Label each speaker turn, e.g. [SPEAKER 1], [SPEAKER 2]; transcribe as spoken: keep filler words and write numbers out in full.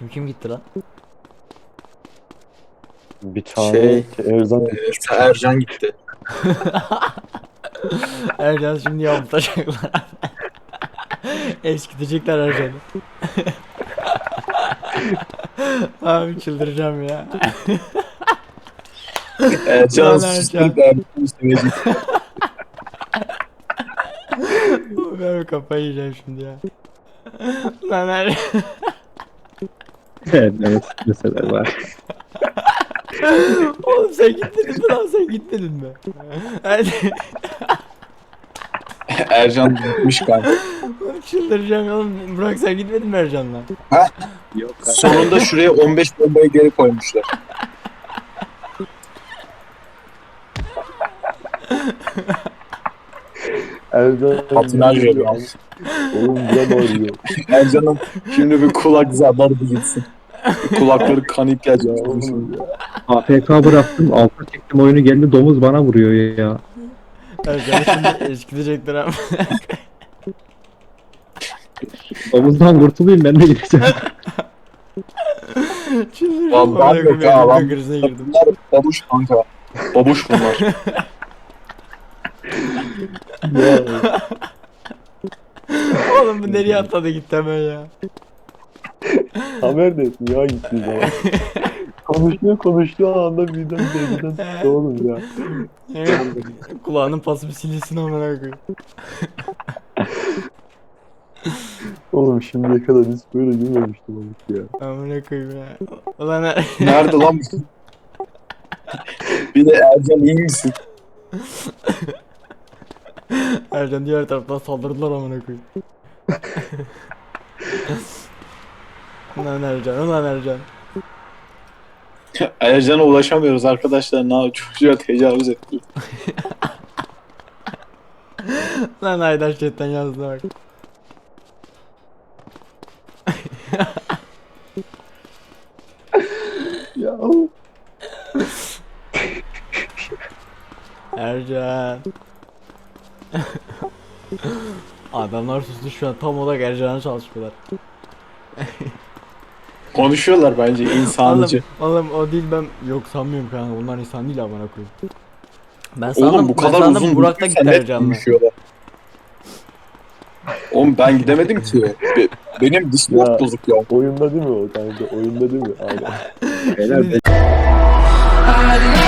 [SPEAKER 1] Kim kim gitti lan?
[SPEAKER 2] Bir tane
[SPEAKER 3] Şey,
[SPEAKER 2] Erzan
[SPEAKER 3] e, Ercan gitti.
[SPEAKER 1] Ercan şimdi yamutacaklar. Eskitecekler Ercan'ı. Abi çıldıracağım ya.
[SPEAKER 3] Ercan
[SPEAKER 1] Lan
[SPEAKER 3] susturup
[SPEAKER 1] Ercan.
[SPEAKER 3] Ercan'ı sevecek.
[SPEAKER 1] Ben kafayı yiyeceğim şimdi ya. Lan Ercan.
[SPEAKER 4] Evet, evet mesele var.
[SPEAKER 1] Oğlum sen gitmedin mi lan, sen gitmedin mi? Ercan.
[SPEAKER 3] Ercan gitmiş kanka.
[SPEAKER 1] Çıldıracağım oğlum. Burak sen gitmedin mi Ercan'la?
[SPEAKER 4] Yok
[SPEAKER 3] Sonunda şuraya on beş bombayı geri koymuşlar.
[SPEAKER 2] Erzan
[SPEAKER 3] Patinaj yapıyor.
[SPEAKER 2] Oğlum can ağrıyor.
[SPEAKER 3] Ercan'ın şimdi bir kulak zarları bir gitsin. Kulakları kan
[SPEAKER 2] Ya
[SPEAKER 3] ihtiyacı
[SPEAKER 2] oğlum ya.
[SPEAKER 4] A F K bıraktım, alta çektim oyunu, geldi domuz bana vuruyor ya.
[SPEAKER 1] Ercan'ı şimdi eskitecekler ama.
[SPEAKER 4] Domuzdan kurtulayım, ben de gideceğim.
[SPEAKER 1] Çıldıracağım.
[SPEAKER 3] Lan ben yok ya, lan.
[SPEAKER 1] Krizine girdim.
[SPEAKER 3] Bunlar babuş kanka. Babuş bunlar.
[SPEAKER 2] Ya.
[SPEAKER 1] Oğlum bu nereye atladı gitti hemen ya.
[SPEAKER 2] Haber de ya gittiği zaman. Konuşuyor konuştuğu anda birden birden çıktı oğlum ya.
[SPEAKER 1] Evet. Kulağının pası bir silinsin amına koyayım.
[SPEAKER 2] Oğlum şimdiye kadar hiç böyle gülmemiştim oğlum ya.
[SPEAKER 1] Amına koyayım ya. Ulan er-
[SPEAKER 3] Nerede lan bu? Bir de Ercan iyi misin?
[SPEAKER 1] Ercan diğer taraftan saldırdılar amına koyayım. Ulan Ercan, ulan Ercan.
[SPEAKER 3] Ercan'a ulaşamıyoruz arkadaşlar. Ne yapıyor? Çocuğa tecavüz etti.
[SPEAKER 1] Lan Haydar chatten yazdı bak.
[SPEAKER 2] Ya oğlum.
[SPEAKER 1] Ercan. Adamlar sustu şu an, tam olarak Ercan'a çalışıyorlar.
[SPEAKER 3] Konuşuyorlar bence insancı.
[SPEAKER 1] Oğlum, oğlum o değil, ben yok sanmıyorum kanka, bunlar insan değil amına koyayım. Ben sandım,
[SPEAKER 3] Oğlum bu
[SPEAKER 1] ben
[SPEAKER 3] kadar
[SPEAKER 1] sandım
[SPEAKER 3] uzun
[SPEAKER 1] Burak da
[SPEAKER 3] sen
[SPEAKER 1] gitti
[SPEAKER 3] net
[SPEAKER 1] Ercan'la.
[SPEAKER 3] konuşuyorlar. Oğlum ben gidemedim ki. Be- benim
[SPEAKER 2] Ya.
[SPEAKER 3] Discord bozuk ya.
[SPEAKER 2] Oyunda değil mi o kanka? Oyunda değil mi? Aynen.
[SPEAKER 4] Beyler,
[SPEAKER 1] Şimdi-
[SPEAKER 4] ben-